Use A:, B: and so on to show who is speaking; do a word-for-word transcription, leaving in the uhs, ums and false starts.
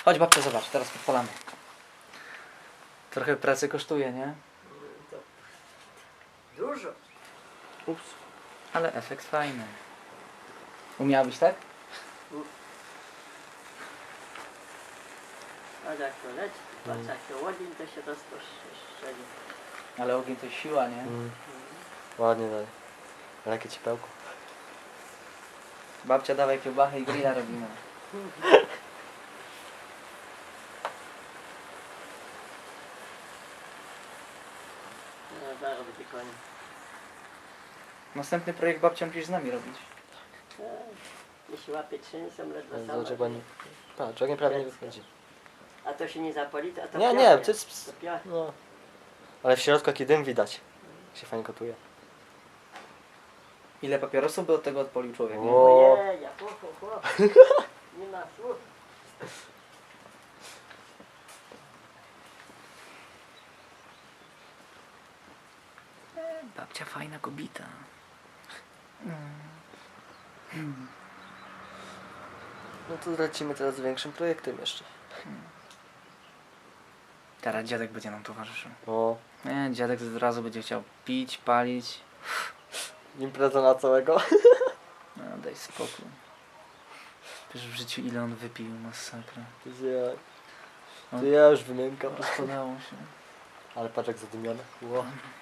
A: Chodź babcia, zobacz, teraz podpalamy. Trochę pracy kosztuje, nie?
B: To dużo.
C: Ups.
A: Ale efekt fajny. Umiałabyś tak?
B: A jak to leci, patrz jak to ogień, to się rozproszczeli.
A: Ale ogień to siła, nie?
C: Mm. Ładnie dalej. Ale jakie ciepełko.
A: Babcia, dawaj kiełbachę i grilla robimy.
B: No zaraz będzie koniec.
A: Następny projekt babcia musisz z nami robić.
B: E, Jeśli łapie trzęsą, ledwo
C: Ale
B: sama.
C: zobacz, jak ładnie. Patrz, ogień prawie nie wychodzi.
B: A to się nie zapali, a to
C: Nie,
B: piachnie.
C: nie, to jest...
B: To piachnie.
C: No. Ale w środku jaki dym widać. Się fajnie gotuje.
A: Ile papierosów by od tego odpolił człowiek, nie?
C: O.
B: Ojej, ho, ho, ho. Nie ma słów.
A: Babcia fajna kobita.
C: No to lecimy teraz z większym projektem jeszcze.
A: Teraz dziadek będzie nam towarzyszył.
C: O.
A: Nie, dziadek od razu będzie chciał pić, palić.
C: Impreza na całego.
A: No daj spokój. Wiesz w życiu ile on wypił, masakra.
C: To ja,
A: No.
C: to ja już wymiękam.
A: Rozpadało się.
C: Ale patrz jak zadymione. Ło.